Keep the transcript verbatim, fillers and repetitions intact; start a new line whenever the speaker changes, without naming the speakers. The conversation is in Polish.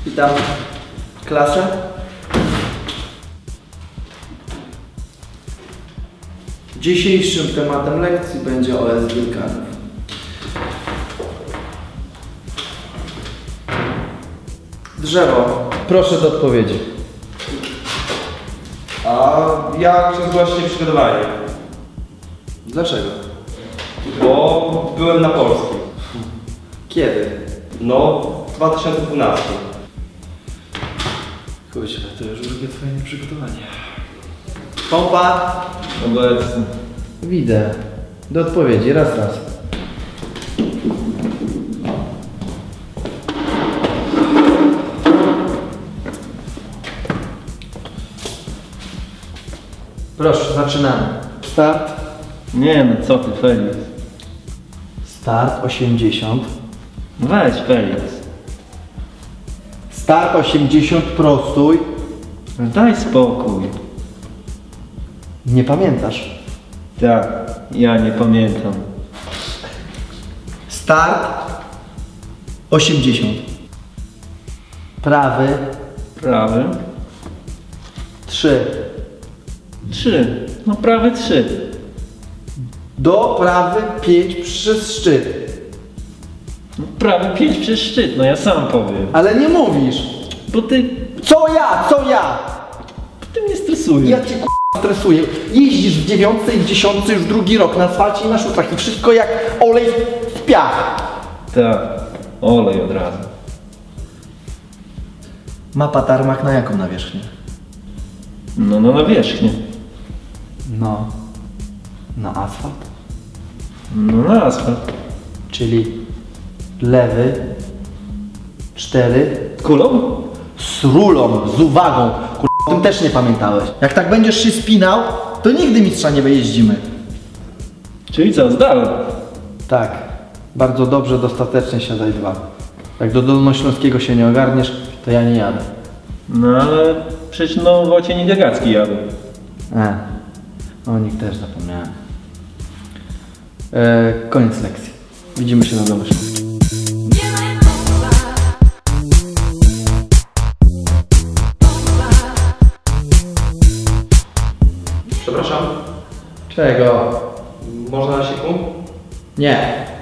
Witam klasę. Dzisiejszym tematem lekcji będzie O S wulkanów. Drzewo. Proszę do odpowiedzi.
A jak się zgłosić przygotowanie?
Dlaczego?
Bo byłem na polskim.
Kiedy?
No, w dwa tysiące dwunastym.
Kurczę, to już drugie twoje nieprzygotowanie. Pompa.
Obecny.
Widzę. Do odpowiedzi, raz, raz. Proszę, zaczynamy. Start.
Nie no, co ty, Felix?
Start osiemdziesiąt.
Weź, Felix.
Start osiemdziesiąt, prostuj.
Daj spokój.
Nie pamiętasz.
Tak, ja nie pamiętam.
Start osiemdziesiąt. Prawy
Prawy?
trzy.
Trzy. No prawy trzy.
Do prawy pięć przez szczyt.
No, prawy pięć przez szczyt, no ja sam powiem.
Ale nie mówisz.
Bo ty...
Co ja? Co ja?
Bo ty mnie stresujesz.
Ja cię k***a stresuję. Jeździsz w dziewiątce i w dziesiątce już drugi rok na asfalcie i na szutrach i wszystko jak olej w piach.
Tak, olej od razu.
Mapa tarmak na jaką nawierzchnię?
No, no na wierzchnię.
No, na asfalt.
No na asfalt.
Czyli lewy cztery
Kulą?
z rulą, z uwagą. Kur... o tym też nie pamiętałeś. Jak tak będziesz się spinał, to nigdy mistrza nie wyjeździmy.
Czyli co, zdałem?
Tak, bardzo dobrze, dostatecznie siadaj dwa. Jak do Dolnośląskiego się nie ogarniesz, to ja nie jadę.
No ale przecież no Wojciech Niedegacki jadł.
E, o nich też zapomniałem. E, koniec lekcji. Widzimy się na Dolnośląskim.
Przepraszam,
Czego?
można na siku?
Nie.